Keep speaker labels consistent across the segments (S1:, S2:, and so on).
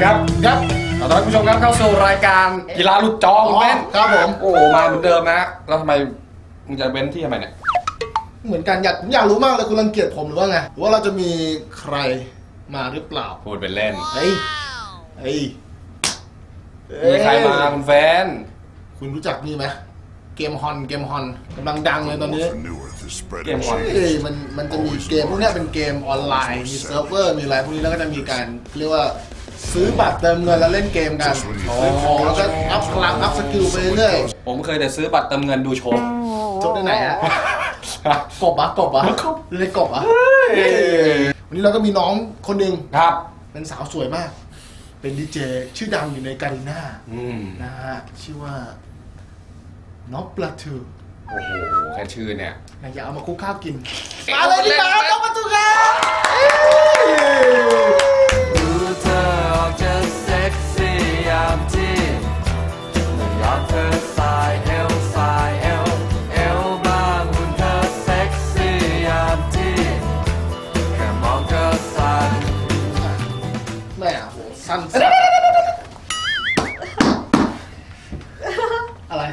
S1: ครับครับขอต้อนรับผู้ชมครับเข้าสู่รายการกีฬาหลุดจอคุณเบ้น
S2: ครับผม
S1: โอ้มาเหมือนเดิมนะแล้วทำไมมึงจะเบ้นที่ทำไมเนี่ย
S2: เหมือนกันผมอยากรู้มากเลยคุณรังเกียจผมหรือว่าไงหรือว่าเราจะมีใครมาหรือเปล่า
S1: พูดเป็นเล่น
S2: เฮ้ย
S1: มีใครมาคุณแฟน
S2: คุณรู้จักนี่ไหมเกมฮอนกำลังดังเลยตอนนี้
S1: เกมฮอน
S2: มันจะมีเกมพวกนี้เป็นเกมออนไลน์มีเซิร์ฟเวอร์มีอะไรพวกนี้แล้วก็จะมีการเรียกว่าซื้อบัตรเติมเงินแล้วเล่นเกมกันซื้อของแล้วก็อัพพลังอัพสกิลไปเรื่อย
S1: ผมเคยแต่ซื้อบัตรเติมเงินดูโชว์
S2: จบได้ไหนฮะกบเล่นกบวันนี้เราก็มีน้องคนหนึ่ง
S1: ครับ
S2: เป็นสาวสวยมากเป็นดีเจชื่อดังอยู่ในการีน่านะฮะชื่อว่าน้องปลาทู
S1: โอ้โหแค่ชื่อเนี่ย
S2: อยากเอามาคุกข้าวกินมาเลยดีกว่าน้องปลาทูครับ
S3: ดูเธอออกจะเซ็กซี่ยามที่ไม่ยอมเธอสายเอวบางหุ่นเธอเซ็กซี่ยามที่แค่มองเธอสั่น
S2: แม่โหสั้นอะไร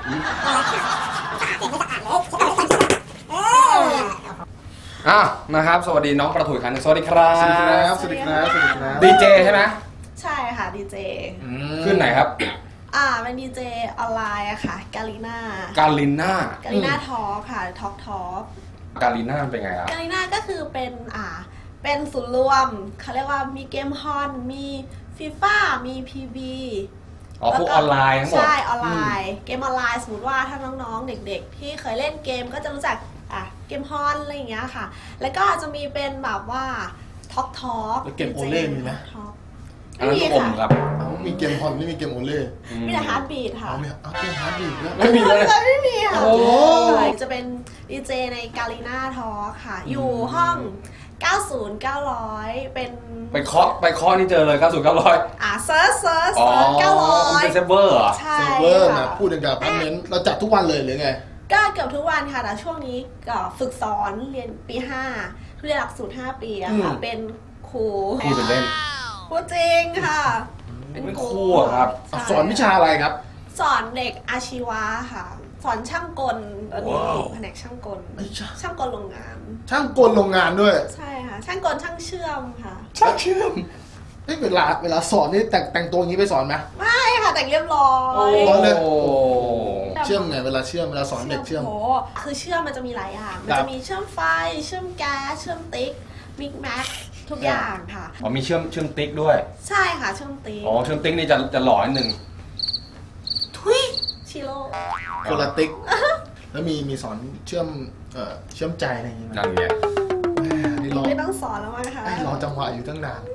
S1: นะครับสวัสดีน้องประถุยคันสวัสดีครับ
S2: สวัสดีครับ
S1: ดีเจใช่ไหม
S4: ใช่ค่ะดีเจ
S1: ขึ้นไหนครับ
S4: เป็นดีเจออนไลน์อะค่ะกาลิน่าทอล์คค่ะทอล์ค
S1: กาลิน่าเป็นไงครับ
S4: กาลิน่าก็คือเป็นศูนย์รวมเขาเรียกว่ามีเกมฮอนมีฟีฟ่ามีพีบี
S1: พวกออนไลน์ทั้งหมด
S4: ใช่ออนไลน์เกมออนไลน์สมมติว่าถ้าน้องๆเด็กๆที่เคยเล่นเกมก็จะรู้จักเกมฮอนอะไรอย่างเงี้ยค่ะแล้วก็จะมีเป็นแบบว่าทอล์ค
S2: เกมโอเล่มีไหม
S1: ไม่มีค่ะ
S2: มีเกมฮอนไม่มีเกมโอเล่
S4: มีแต่ฮาร์ดบีทค่ะ
S2: เกมฮาร์ดบีท
S1: ไม่มีเลย
S4: ไม่มีค่ะจะเป็นดีเจในกาลิน่าทอล์คค่ะอยู่ห้อง90 900เป็น
S1: ไปเคาะนี่เจอเลย90 900
S4: เซิร์ช900
S1: เป็นเซิร์ฟเวอร์
S4: ใช่
S2: เซิร์ฟเวอร์นะพูดถึงกับพาร์ทเมนต์เราจัดทุกวันเลยหรือไง
S4: ก็เกือบทุกวันค่ะแต่ช่วงนี้ก็ฝึกสอนเรียนปี5เรียนหลักสูตร5 ปีอะค่ะเป็นครู
S1: เป็นเล่น
S4: ครูจริงค่ะ
S1: เป็นครูครับ
S2: สอนวิชาอะไรครับ
S4: สอนเด็กอาชีวะค่ะสอนช่างกลตอนนี้แผนกช่างกลโรงงาน
S2: ช่างกลโรงงานด้วย
S4: ใช่ค่ะช่างกลช่างเชื่อมค่ะ
S2: ช่างเชื่อมเวลาสอนนี่แต่งตัวอย่างนี้ไปสอนไหม
S4: ไม่ค่ะแต่งเรียบร้อย
S2: เลยเชื่อมไงเวลาสอนเด็กเชื่อม
S4: คือเชื่อมมันจะมีหลายอย่างมันจะมีเชื่อมไฟเชื่อมแก๊สเชื่อมติ๊กมิกแม็กทุกอย่างค่ะ
S1: มีเชื่อมติ๊กด้วย
S4: ใช่ค่ะเชื่อมติ๊ก
S1: เชื่อมติ๊กนี่จะหล่อนิดนึง
S4: ทุยชิโร่
S2: คนละติ๊กแล้วมีสอนเชื่อมใจอะไรอย่างเงี้ย
S1: นั่นไง
S4: ไม่ต้องสอนแล้วมั้งคะ
S2: รอจังหวะอยู่ตั้งนาน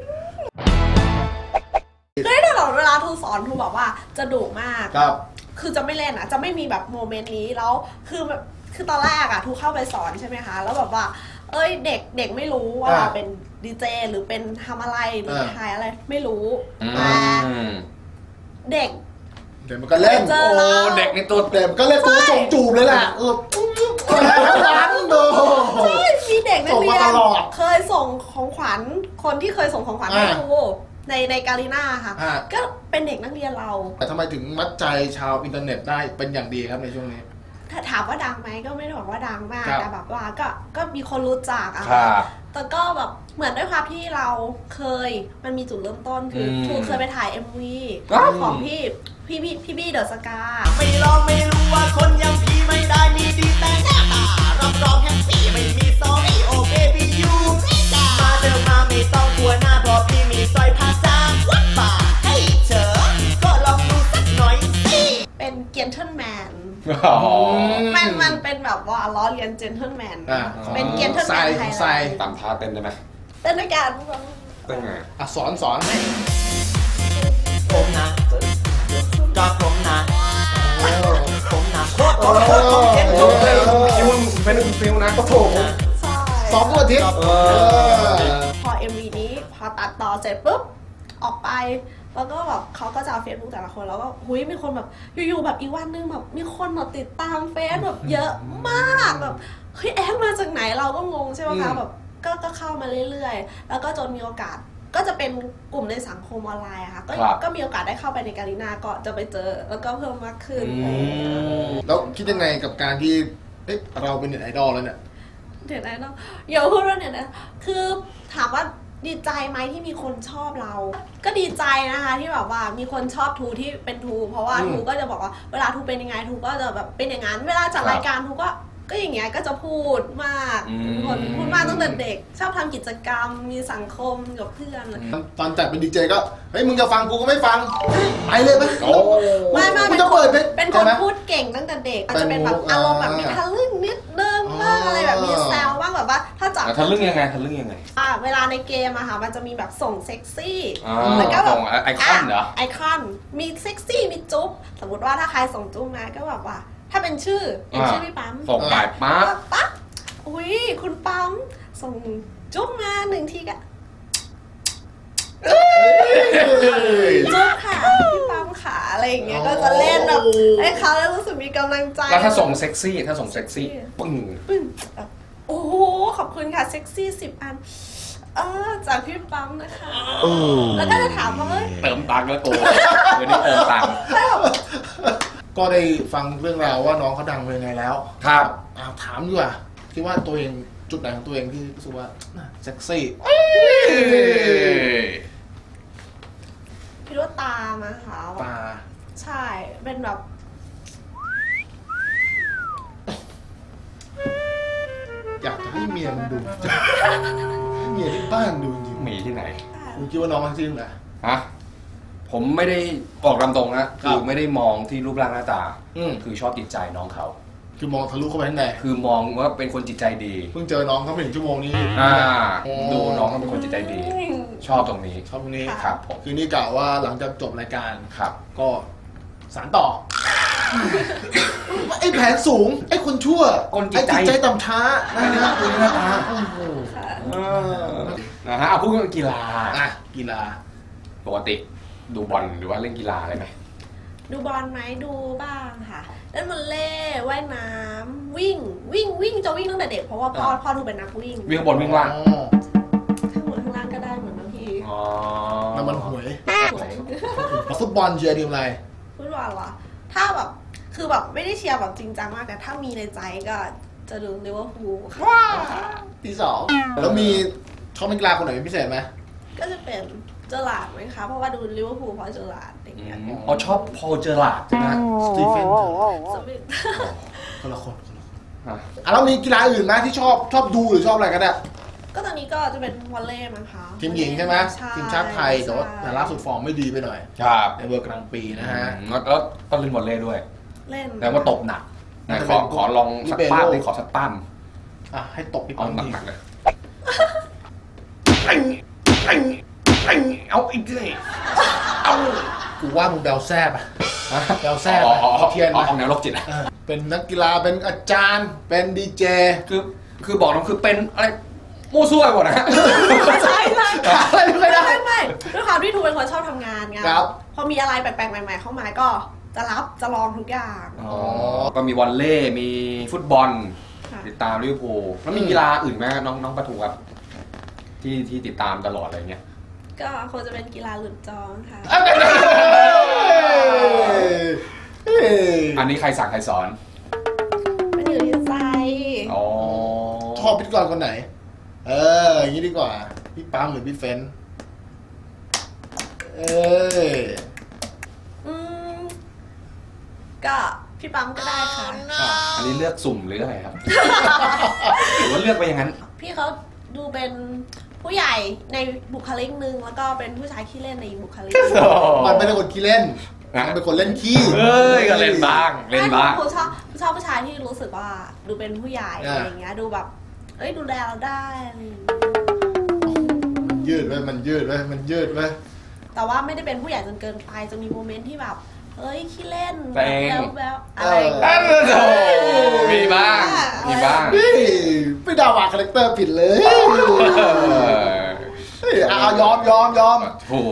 S4: ตลอดเวลาทูสอนทูบอกว่าจะดุมากคือจะไม่เล่นอ่ะจะไม่มีแบบโมเมนต์นี้แล้วคือตอนแรกอ่ะทูเข้าไปสอนใช่ไหมคะแล้วแบบว่าเด็กไม่รู้ว่าเราเป็นดีเจหรือเป็นทำอะไรหรือถ่ายอะไรไม่รู้แต่เด็ก
S2: มันก็เล่น
S1: เด็กในตัว
S2: เด็กก็เล่นตัวส่งจูบเลยแหละ
S4: ใช่มีเด็กนักเรียนเคยส่งของขวัญคนที่เคยส่งของขวัญให้ทูในกาลิน่าค่ะก็เป็นเด็กนักเรียนเรา
S2: แต่ทำไมถึงมัดใจชาวอินเทอร์เน็ตได้เป็นอย่างดีครับในช่วงนี้
S4: ถ้าถามว่าดังไหมก็ไม่ได้บอกว่าดังมากแต่แบบว่าก็มีคนรู้จักอะแต่ก็แบบเหมือนด้วยความที่เราเคยมันมีจุดเริ่มต้นคือทูเคยไปถ่าย MV ของพี่บี้เดอะสกา
S3: ไม่ลองไม่รู้ว่าคนอย่างพี่ไม่ได้มีดีแต่หน้าตารับรองแฮปปี้ไม่มีซอรี่โอเคพี่อยู่มาเดินมาไม่ต้องกลัวหน้าเพราะพี่มีสร้อยผ้าจากวัดป่าให้เธอก็ลองดูสักหน่อยสิ
S4: เป็นเจนเทิลแมนมันเป็นแบบว่าล้อเลียนเจนเทิลแมนเป็นเจนเทิลแมนไทย
S1: ตามท่าเต้นได้ไหม
S4: เต้นด้วยกัน
S1: เต้นไง
S2: สอนให้
S3: ผมนะก็ผมนะโคตรเจ็บ
S1: คิวเป็นฟิลนะ
S2: โอ้โหซ้อมตัวอาทิตย์
S4: พอ MV นี้พอตัดต่อเสร็จปุ๊บออกไปแล้วก็แบบเขาก็จะเอาเฟซบุ๊กแต่ละคนแล้วก็มีคนแบบอยู่ๆแบบอีกวันนึงแบบมีคนมาติดตามเฟซแบบเยอะมากแบบแอดมาจากไหนเราก็งงใช่ไหมคะแบบก็เข้ามาเรื่อยๆแล้วก็จนมีโอกาสก็จะเป็นกลุ่มในสังคมออนไลน์อะค่ะก็มีโอกาสได้เข้าไปในการีนาก็จะไปเจอแล้วก็เพิ่มมากขึ้น
S2: แล้วคิดยังไงกับการที่เราเป็นเน็ตไอดอลแล้วเนี่ย
S4: เน็ตไอดอลอย่าพูดว่าเน็ตไอดอลคือถามว่าดีใจไหมที่มีคนชอบเราก็ดีใจนะคะที่แบบว่ามีคนชอบทูที่เป็นทูเพราะว่าทูก็จะบอกว่าเวลาทูเป็นยังไงทูก็จะแบบเป็นอย่างนั้นเวลาจัดรายการทูก็อย่างเงี้ยก็จะพูดมากคนพูดมากตั้งแต่เด็กชอบทำกิจกรรมมีสังคมกับเพื่อน
S2: ตอนจัดเป็นดีเจก็เฮ้ยมึงจะฟังกูก็ไม่ฟังไปเลยไหม
S4: ไม่เป็นคนพูดเก่งตั้งแต่เด็กอาจจะเป็นแบบอารมณ์แบบมีทะลึ่งนิดนึงบ้างอะไรแบบมีแซวบ้างแบบว่าถ้าจับ
S1: ทะลึ่งยังไง
S4: เวลาในเกมอะค่ะมันจะมีแบบส่งเซ็กซี่
S1: แล้วก็แบบไอคอนเหรอ
S4: ไอคอนมีเซ็กซี่มีจุ๊บสมมติว่าถ้าใครส่งจุ๊บมาก็แบบว่าถ้าเป็นชื่อพี่ปั๊ม
S1: ส่งไป
S4: ปั๊บอุ้ยคุณปั๊มส่งจุ๊บมา1 ทีก็จุ๊บค่ะพี่ปั๊มขาอะไรอย่างเงี้ยก็จะเล่นแบบให้เขาแล้วรู้สึกมีกำลังใจ
S1: แล้วถ้าส่งเซ็กซี่ปึ้ง
S4: โอ้โหขอบคุณค่ะเซ็กซี่10 อันจากพี่ปั๊มนะคะแล้วก็จะถามว่า
S1: เติมตังค์แล้วกูเดี๋ยวนี้เติมตังค์
S2: ก็ได้ฟังเรื่องราวว่าน้องเขาดังเป็นไงแล้ว
S1: ครับ
S2: ถามดีกว่าคิดว่าตัวเองจุดไหนของตัวเองที่รู้สึกว่าเซ็กซี่
S4: พี่ว่าตามาค่ะ
S2: ตา
S4: ใช่เป็นแบบ
S2: อยากจะให้เมียมันดูเมียที่บ้านดูจริง
S1: มีที่ไหน
S2: คุณคิดว่าน้องมันจริงเหรอ
S1: ฮะผมไม่ได้ออกลำตรงนะคือไม่ได้มองที่รูปร่างหน้าตาคือชอบจิตใจน้องเขา
S2: คือมองทะลุเข้าไปข้างใน
S1: คือมองว่าเป็นคนจิตใจดี
S2: เพิ่งเจอน้องเขาไม่ถึงชั่วโมงนี้
S1: ดูน้องเขาเป็นคนจิตใจดีชอบตรงนี้ครับผม
S2: คือนี่กล่าวว่าหลังจากจบรายการ
S1: ครับ
S2: ก็สานต่อไอ้แผนสูงไอ้คนชั่วไอ้จิตใจต่ำช้านะคุณหน้าตา
S1: นะฮะเอาพูดเรื่องกีฬา
S2: กีฬา
S1: ปกติดูบอลหรือว่าเล่นกีฬาอะไรไหม
S4: ดูบอลไหมดูบ้างค่ะเล่นวอลเลย์ว่ายน้ำวิ่งจะวิ่งตั้งแต่เด็กเพราะว่าพ่อดูเป็นนักวิ่ง
S1: วิ่งบนวิ่งล่าง
S4: ข้างบนข้างล่างก็ได้เหมือนบางที
S2: น้ำมันหวยฟุตบอลเชียร์ทีมอะไร
S4: ฟุตบอลเหรอถ้าแบบคือแบบไม่ได้เชียร์แบบจริงจังมากแต่ถ้ามีในใจก็จะดูลิเวอร์พูล
S2: ค่ะที่2แล้วมีชอบนักกีฬาคนไหนเป็นพิเศษไหม
S4: ก็จะเป็นเจอร์ลาร์ดไหมคะเพราะว่าดูลิเวอร์พูลเพราะเจอร์ลาร์ดอย่างเงี้ย
S1: ชอบพอเจอร์ลาร์ดใช่ไหม
S2: สตีเฟนคนละคนแล้วมีกีฬาอื่นไหมที่ชอบดูหรือชอบอะไรกันเนี่ย
S4: ก็ตอนนี้ก็จะเป็นวอลเลย์มั้งคะ
S2: ทีมหญิงใช่ไหมทีมชาติไทยแต่ว่าล่าสุดฟอร์มไม่ดีไปหน่อยในเวอร์กลางปีนะฮะ
S1: แล้วก็เล่นวอลเลย์ด้วย
S4: เล่น
S1: แต่ว่าตบหนักขอลองสักป้าดิขอสักปั้ม
S2: ให้ตบอีกปั้ม
S1: หนักเลยเอาอีกเลยเอา
S2: กูว่ามึงแบลแซ่บแบลแซ่บเทียน
S1: เอาแนวโรคจิต
S2: เป็นนักกีฬาเป็นอาจารย์เป็นดีเจ
S1: คือบอกน้องคือเป็นอะไรมู่ซั่วหมดนะ
S4: ใช่อะไรไม่ได้ไม่ด้วยความที่ทูเป็นคนชอบทำงานไงพอมีอะไรแปลกๆใหม่ๆเข้ามาก็จะลองทุกอย่าง
S1: ก็มีวอลเลย์มีฟุตบอลติดตามลิเวอร์พูลแล้วมีกีฬาอื่นไหมน้องปะทูครับที่ติดตามตลอดอะไรเงี้ย
S4: ก็คงจะเป็นกีฬาหลุดจองค่ะ
S1: อันนี้ใครสั่งใครสอน
S4: มันอยู่ที่ใจ
S2: ชอบพิธีกรคนไหนอย่างนี้ดีกว่าพี่ปั๊มหรือพี่เฟน
S4: ก็พี่ปั๊มก็ได้ค่ะ
S1: อันนี้เลือกสุ่มหรืออะไรครับหรือว่าเลือกไปอย่างนั้น
S4: พี่เขาดูเป็นผู้ใหญ่ในบุคลิกนึงแล้วก็เป็นผู้ชายขี้เล่นในบุคลิก
S2: มันเป็นคนขี้เล่นเป็นคนเล่นขี้
S1: ก็เล่นบ้าง
S4: ผมชอบผู้ชายที่รู้สึกว่าดูเป็นผู้ใหญ่อะไรอย่างเงี้ยดูแบบดูแลเราได้
S2: มันยืดไว้
S4: แต่ว่าไม่ได้เป็นผู้ใหญ่จนเกินไปจะมีโมเมนต์ที่แบบขี้เล่น
S1: แบบอะไรมีบ้าง
S2: ไม่ด่าว่าคาแรคเตอร์ผิดเลยยอม
S1: โอ้โห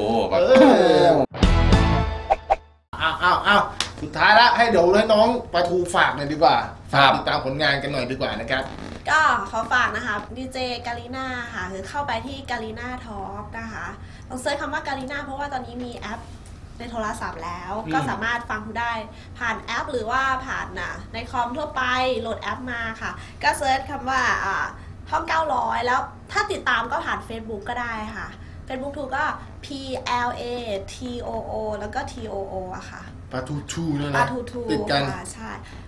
S2: สุดท้ายแล้วให้เดี๋ยวให้น้องปะทูฝากหน่อยดีกว่าติดตามผลงานกันหน่อยดีกว่านะครับ
S4: ก็ขอฝากนะคะดีเจกาลิน่าค่ะคือเข้าไปที่กาลิน่าทอล์กนะคะต้องเซิร์ชคำว่าการีนาเพราะว่าตอนนี้มีแอปในโทรศัพท์แล้วก็สามารถฟังได้ผ่านแอปหรือว่าผ่านในคอมทั่วไปโหลดแอปมาค่ะก็เซิร์ชคำว่าห้อง900แล้วถ้าติดตามก็ผ่าน Facebook ก็ได้ค่ะ Facebook ทูก็ PLATOO แล้วก็ TOO อะค่ะ
S2: ปลาทูเนี่ย
S4: ปลา
S2: นะ
S4: ทู
S2: ติดกัน
S4: ค่ะใช่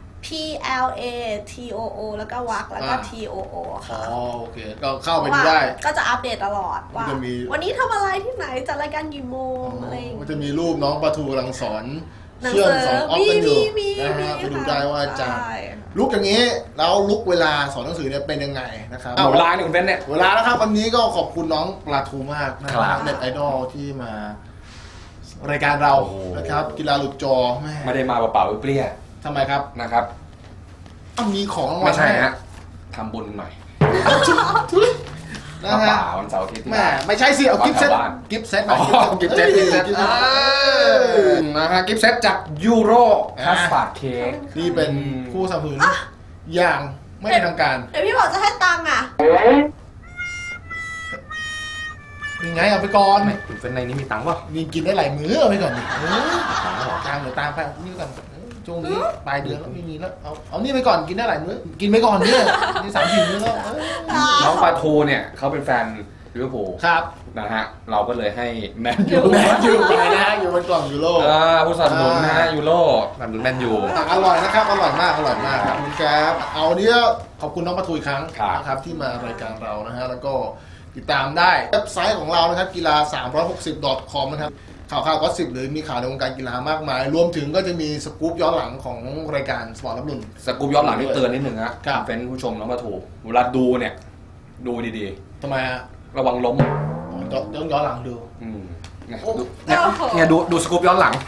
S4: PLATOO แล้วก็วักแล้วก็ TOO ค่ะ
S2: โอเคก็เข้าไปดูได้
S4: ก็จะอัปเดตตลอดว่า
S2: จะมี
S4: วันนี้ทำอะไรที่ไหนจัดรายการกี่โมงอะไรอย่าง
S2: มัน
S4: เงี้ย
S2: จะมีรูปน้องปลาทูกำลังสอน
S4: หนัง
S2: เชื่อม
S4: สือ
S2: สอนออฟกันอยู่
S4: มี
S2: นะฮะไปดูได้ว่าจะ
S4: ใช่
S2: ลุกอย่างนี้แล้วลุกเวลาสอนหนังสือเนี่ยเป็นยังไงนะครับ
S1: หมดเวลาเนี่ยคุณเบนเนี่ย
S2: เวลาแล้วครับวันนี้ก็ขอบคุณน้องปลาทูมากนะค
S1: ครั
S2: รับบ เน็ตไอดอลที่มารายการเรา
S1: โอ้โห
S2: นะครับกีฬาหลุดจอแม่
S1: ไม่ได้มาเปล่าๆเปรี้ย
S2: ทำไมครับ
S1: ๆนะครับ
S2: ต้องมีของรางวัล
S1: ไม่ใช่
S2: ให้
S1: ฮะทำบุญหน่อย
S2: นะ
S1: มา
S2: ฮะ
S1: ป่าวันเสาร์อาทิตย์ที่
S2: แม่
S1: บ้าน
S2: ไม่ใช่สิเอากิฟต์เซ็ต
S1: บ้าน
S2: กิฟต์เซ็ต
S1: อ๋อกิฟต์เซ็ตกิฟต์เซ็ต
S2: เอ้ย
S1: นะฮะกิฟต์เซ็ตจากยูโรคัสตาร์ดเค้ก
S2: นี่เป็นผู้สนับสนุนอย่างไม่เป็นทางการ
S4: เดี๋ยวพี่บอกจะให้ตังค์อ่ะ
S2: ยังไงเอาไปก่อน
S1: คุณเฟนในนี้มีตังค์ป่ะ
S2: มีกินได้หลายมื้อเอาไปก่อนดิตามเดี๋ยวตามไปนี่ก่อนช่วงนี้ปลายเดือนแล้วไม่มีแล้วเอานี่ไปก่อนกินได้หลายมื้อกินไปก่อนเนี่ยนี่3-4 มื้อแล้ว
S1: น้องปลาทูเนี่ยเขาเป็นแฟนลิเวอร์พูล
S2: ครับ
S1: นะฮะเราก็เลยให้แมนยู
S2: แมนยูไปนะฮะอยู่บนกล่องยูโร
S1: ผู้สนับสนุนนะฮะยูโรสนับสนุนแมนยู
S2: อร่อยนะครับอร่อยมากครับคุณแก๊บเอาเนี้ยขอบคุณน้องปะทุยครั้ง
S1: ครับ
S2: นะครับที่มารายการเรานะฮะแล้วก็ติดตามได้เว็บไซต์ของเรานะครับกีฬา360.com นะครับข่าวก็10หรือมีข่าวในวงการกีฬามากมาย รวมถึงก็จะมีสกู๊ปย้อนหลังของรายการสปอร์ตรับรุ่น
S1: สกู๊ปย้อนหลังนี่เตือนนิดนึงฮะ
S2: ครับ
S1: เป็นผู้ชมน้องปลาทูเวลาดูเนี่ยดูดี
S2: ทำไมฮะ
S1: ๆระวังล้ม
S2: ต้องย้อนหลังดู
S1: เนี่ย
S2: โอ้
S1: ดูเนี่ยดูสกู๊ปย้อนหลัง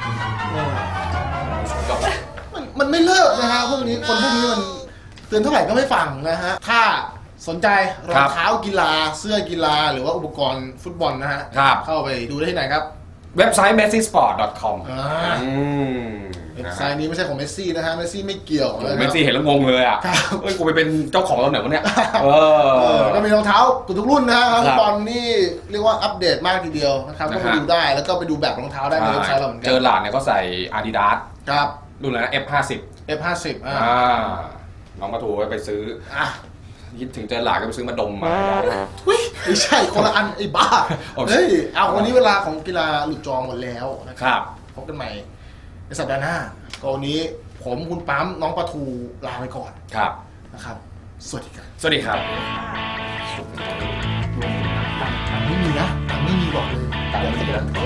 S2: มันไม่เลิกนะฮะพวกนี้คนพวกนี้มันเตือนเท่าไหร่ก็ไม่ฟังนะฮะถ้าสนใจรองเท้ากีฬาเสื้อกีฬาหรือว่าอุปกรณ์ฟุตบอลนะฮะ
S1: ครับ
S2: เข้าไปดูได้ที่ไหนครับ
S1: เว็บไซต์ messisport.com
S2: เว็บไซต์นี้ไม่ใช่ของเมสซี่นะฮะเมสซี่ไม่เกี่ยวนะ
S1: เมสซี่เห็นแล้วงงเลยอ่ะ
S2: ครับ
S1: เอ้ยกูไปเป็นเจ้าของตอนไหนวะเนี่ย
S2: ก็มีรองเท้าทุกรุ่นนะฮะ
S1: ครับ
S2: ฟุตบอลนี่เรียกว่าอัปเดตมากทีเดียวนะครับก็ไปดูได้แล้วก็ไปดูแบบรองเท้าได้ในเว็บไซต์เราเหมือนกั
S1: เจอหลานเนี่ยก็ใส่ Adidas
S2: ครับ
S1: รุ่นอะไรนะ F50
S2: F50
S1: น้องปลาทูไปซื้อ
S2: อ่ะ
S1: คิดถึงเจอหลานก็ไปซื้อมาดมมา
S2: ทุยไม่ใช่คนละอันไอ้บ้า
S1: โอเค
S2: เฮ้ยเอาวันนี้เวลาของกีฬาหลุดจอหมดแล้วนะค
S1: ครับ
S2: พบกันใหม่ในสัปดาห์หน้าก็วันนี้ผมคุณปั๊มน้องปลาทูลาไปก่อน
S1: ครับ
S2: นะครับสวัสดีครับ
S1: สวัสดีครับ
S2: ไม่มีนะไม่มีบอกเลย
S1: ตามนี้แล้ว